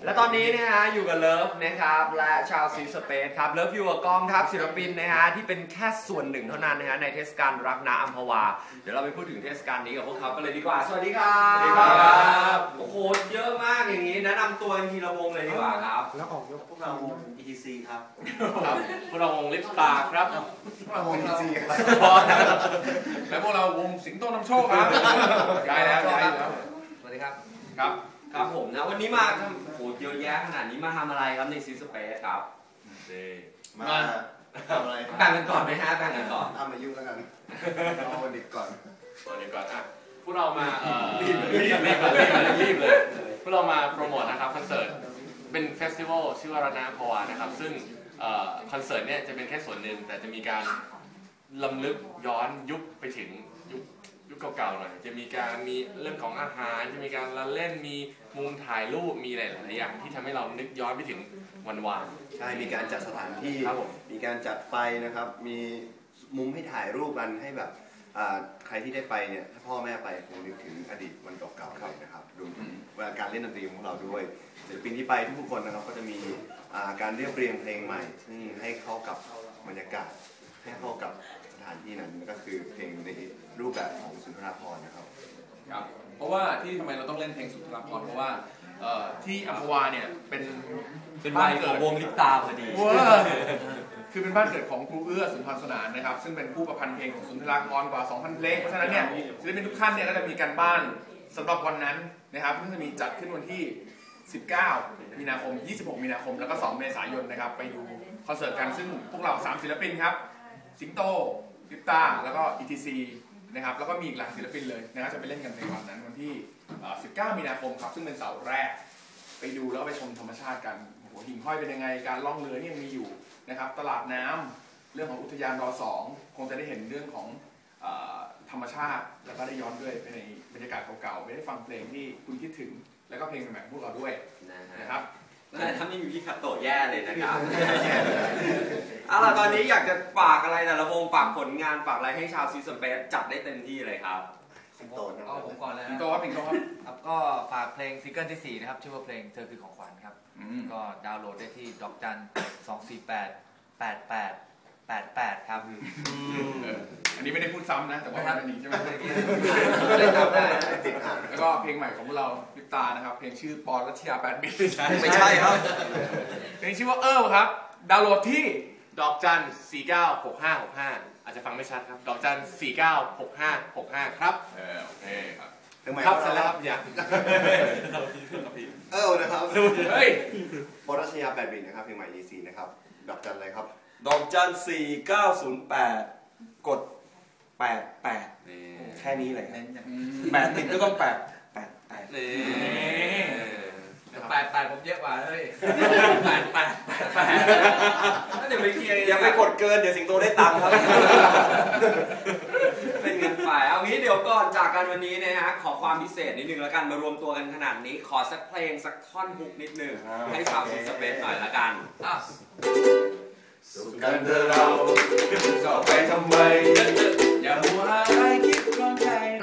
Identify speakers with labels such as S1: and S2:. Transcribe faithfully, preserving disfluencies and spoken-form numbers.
S1: และตอนนี้นะฮะอยู่กับเลิฟนะครับและชาวซีสเปซครับเลิฟอยู่กับกองทัพศิลปินนะฮะที่เป็นแค่ส่วนหนึ่งเท่านั้นนะฮะในเทศกาลรักนาอัมพวาเดี๋ยวเราไปพูดถึงเทศกาลนี้กับพวกเขากันเลยดีกว่าสวัสดีครับสวัสดีครับโอ้โหเยอะมากอย่างนี้แนะนำตัวทีละวงเลยดีกว่าครับ
S2: แล้วออกยกพวกเราวง อี ที ซี ครับ
S3: พวกเราวงลิปตาครับ
S2: พวกเราวง อี ที ซี ครับ
S3: และพวกเราวงสิงโตนำโชคครับย้ายแล้วย้ายแล้ว
S1: สวัสดีครับ
S3: ครับ
S1: ครับผมนะวันนี้มาทำโอ้โหเยอะแยะขนาดนี้มาทำอะไรครับในซีสเปซครับ
S2: มาทำอะไร
S1: แบ่งกันก่อนไหมฮะแบ่งกันก่อน
S2: เอามายุ่งแล้วกันเอาเด็กก่อน
S3: เอาเด็กก่อนอ่ะพวกเรามาเอ่อรีบรีบรีบเลยรีบเลยพวกเรามาโปรโมทนะครับคอนเสิร์ตเป็นเฟสติวัลชื่อว่ารักนาอัมพวานะครับซึ่งคอนเสิร์ตเนี่ยจะเป็นแค่ส่วนหนึ่งแต่จะมีการลำลึกย้อนยุคไปถึงยุคยุคเก่าๆหน่อยจะมีการมีเรื่องของอาหารจะมีการละเล่นมีมุมถ่ายรูปมีหลายๆอย่างที่ทำให้เรานึกย้อนไปถึงวันวาน
S2: ใช่มีการจัดสถานที่มีการจัดไฟนะครับมีมุมให้ถ่ายรูปกันให้แบบใครที่ได้ไปเนี่ยถ้าพ่อแม่ไปคงนึกถึงอดีตวันเก่าๆเลยนะครับรวมถึงการเล่นดนตรีของเราด้วยศิลปินที่ไปทุกคนนะครับก็จะมีการเรียบเรียงเพลงใหม่ซึ่งให้เข้ากับบรรยากาศให้เข้ากับสถานที่นั้นก็คือเพลงในรูปแบบของสุนทรภรณ์นะครับ
S3: ครับเพราะว่าที่ทำไมเราต้องเล่นเพลงสุนทรภรณ์เพราะว่าที่อัมพวาเนี่ยเป็น
S1: เป็นบ้านเกิดวงลิปตาพอดี
S3: คือเป็นบ้านเกิดของครูเอื้อสุนทรสนานนะครับซึ่งเป็นผู้ประพันธ์เพลงของสุนทรภรณ์กว่า สองพัน เพลงเพราะฉะนั้นเนี่ยศิลปินทุกท่านเนี่ยก็จะมีการบ้านสำหรับวันนั้นนะครับซึ่งจะมีจัดขึ้นวันที่สิบเก้ามีนาคมยี่สิบหกมีนาคมแล้วก็สองเมษายนนะครับไปดูคอนเสิร์ตกันซึ่งพวกเราสามศิลปินครับสิงโตลิปตาแล้วก็ อี ที ซี นะครับแล้วก็มีอีกหลายศิลปินเลยนะครับจะไปเล่นกันในวันนั้นวันที่สิบเก้ามีนาคมครับซึ่งเป็นเสาร์แรกไปดูแล้วก็ไปชมธรรมชาติกันโอ้โหหิ่งห้อยเป็นยังไงการล่องเรือนี่ยังมีอยู่นะครับตลาดน้ำเรื่องของอุทยานรอสองคงจะได้เห็นเรื่องของธรรมชาติแล้วก็ได้ย้อนด้วยไปในบรรยากาศเก่าๆไปได้ฟังเพลงที่คุณคิดถึงแล้วก็เพลงใหม่ๆพวกเราด้วยนะครับ
S1: แต่ถ้าไม่มีพี่คัตโตะแย่เลยนะครับเอาล่ะตอนนี้อยากจะฝากอะไรแต่ละวงฝากผลงานฝากอะไรให้ชาวซีสเปซจัดได้เต็มที่เลยครับ
S2: สิงโตนะ
S4: เอาผมก่อนเลย
S3: สิงโตครับสิงโตครับ
S4: ครับก็ฝากเพลงซิงเกิลที่สี่นะครับชื่อว่าเพลงเธอคือของขวัญครับก็ดาวน์โหลดได้ที่ดอกจันสองสี่แปดแปดแปดแปดแปดครับ
S3: อันนี้ไม่ได้พูดซ้ำนะแต่ว่าเป็นนี้ใช่ไหม
S4: ได้ทำได้
S3: แล้วก็เพลงใหม่ของพวกเราลิปตานะครับเพลงชื่อปอนรัชยาแปดบิต
S4: ไม่ใช่ครับ
S3: เพลงชื่อว่าเออครับดาวน์โหลดที่ดอกจันสี่เก้าหกห้าหกห้าอาจจะฟังไม่ชัดครับดอกจันสี่เก้าหกห้าหกห้าครับเออโอเคครับครับสำหรับอย่าง
S2: เออนะครับ
S3: เฮ้ย
S2: ปอนรัชยาแปดบิตนะครับเพลงใหม่ อี ซี นะครับดอกจันอะไรครับ
S5: ดอกจันสี่เก้าศูนย์แปดกดแปดแปดแค่นี้เลยแปดติดก็ต้องแปดแปดแปด
S4: แปดแปดผมเยอะกว่าเลย
S1: แปดแปดแปดเดี๋ยวไปเคลียร์
S5: อย่าไปกดเกินเดี๋ยวสิงโตได้ตังค์ครับ
S1: เป็นเงินไปเอางี้เดี๋ยวก่อนจากกันวันนี้นะฮะขอความพิเศษนิดนึงแล้วกันมารวมตัวกันขนาดนี้ขอสักเพลงสักท่อนฮุกนิดนึงให้ชาวซีสเปซหน่อยละกัน
S5: สุขกันเถอะเราจะไปทำไมอย่ามัวอะไรคิดร้อนใจ